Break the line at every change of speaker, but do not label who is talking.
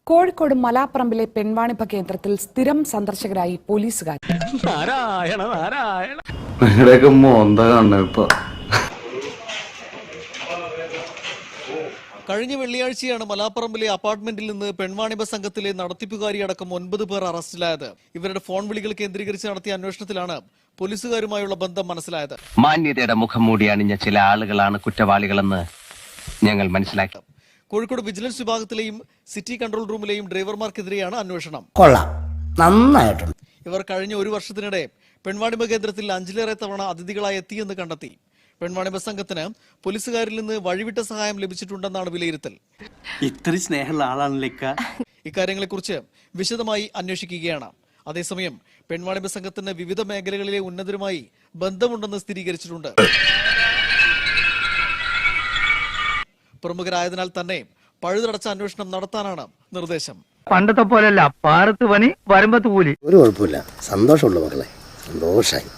കോഴിക്കോട് മലാപ്പറമ്പിലെ പെൺവാണിഭ കേന്ദ്രത്തിൽ സ്ഥിരം സന്ദർശകരായി പോലീസുകാർ.
കഴിഞ്ഞ വെള്ളിയാഴ്ചയാണ് മലാപ്പറമ്പിലെ അപ്പാർട്ട്മെന്റിൽ നിന്ന് പെൺവാണിഭ സംഘത്തിലെ നടത്തിപ്പുകാരി അടക്കം 9 പേർ അറസ്റ്റിലായത്. ഇവരുടെ ഫോൺ വിളികൾ കേന്ദ്രീകരിച്ച് നടത്തിയ അന്വേഷണത്തിലാണ് പോലീസുകാരുമായുള്ള ബന്ധം മനസ്സിലായത്.
മാന്യതയുടെ മുഖം മൂടി അണിഞ്ഞ ചില ആളുകളാണ് കുറ്റവാളികളെന്ന് ഞങ്ങൾ മനസ്സിലാക്കി.
കോഴിക്കോട് വിജിലൻസ് വിഭാഗത്തിലെയും സിറ്റി കൺട്രോൾ റൂമിലെയും ഡ്രൈവർമാർക്കെതിരെയാണ് അന്വേഷണം.
നന്നായിട്ടുണ്ട്.
ഇവർ കഴിഞ്ഞ ഒരു വർഷത്തിനിടെ പെൺവാണിഭ കേന്ദ്രത്തിൽ 5ലേറെ തവണ അതിഥികളായി എത്തിയെന്ന് കണ്ടെത്തി. പെൺവാണിഭ സംഘത്തിന് പോലീസുകാരിൽ നിന്ന് വഴിവിട്ട സഹായം ലഭിച്ചിട്ടുണ്ടെന്നാണ് വിലയിരുത്തൽ.
ഇത്ര സ്നേഹമുള്ള ആളാണല്ലേ
ഇക്കാര്യങ്ങളെക്കുറിച്ച് വിശദമായി അന്വേഷിക്കുകയാണ്. അതേസമയം പെൺവാണിഭ സംഘത്തിന് വിവിധ മേഖലകളിലെ ഉന്നതരുമായി ബന്ധമുണ്ടെന്ന് സ്ഥിരീകരിച്ചിട്ടുണ്ട്. പ്രമുഖരായതിനാൽ തന്നെ പഴുതടച്ച അന്വേഷണം നടത്താനാണ് നിർദ്ദേശം.
പണ്ടത്തെ പോലെയല്ല, പാറത്ത് പണി വരുമ്പത്ത് കൂലി.
ഒരു കുഴപ്പമില്ല, സന്തോഷമുള്ള മക്കളെ, സന്തോഷായി.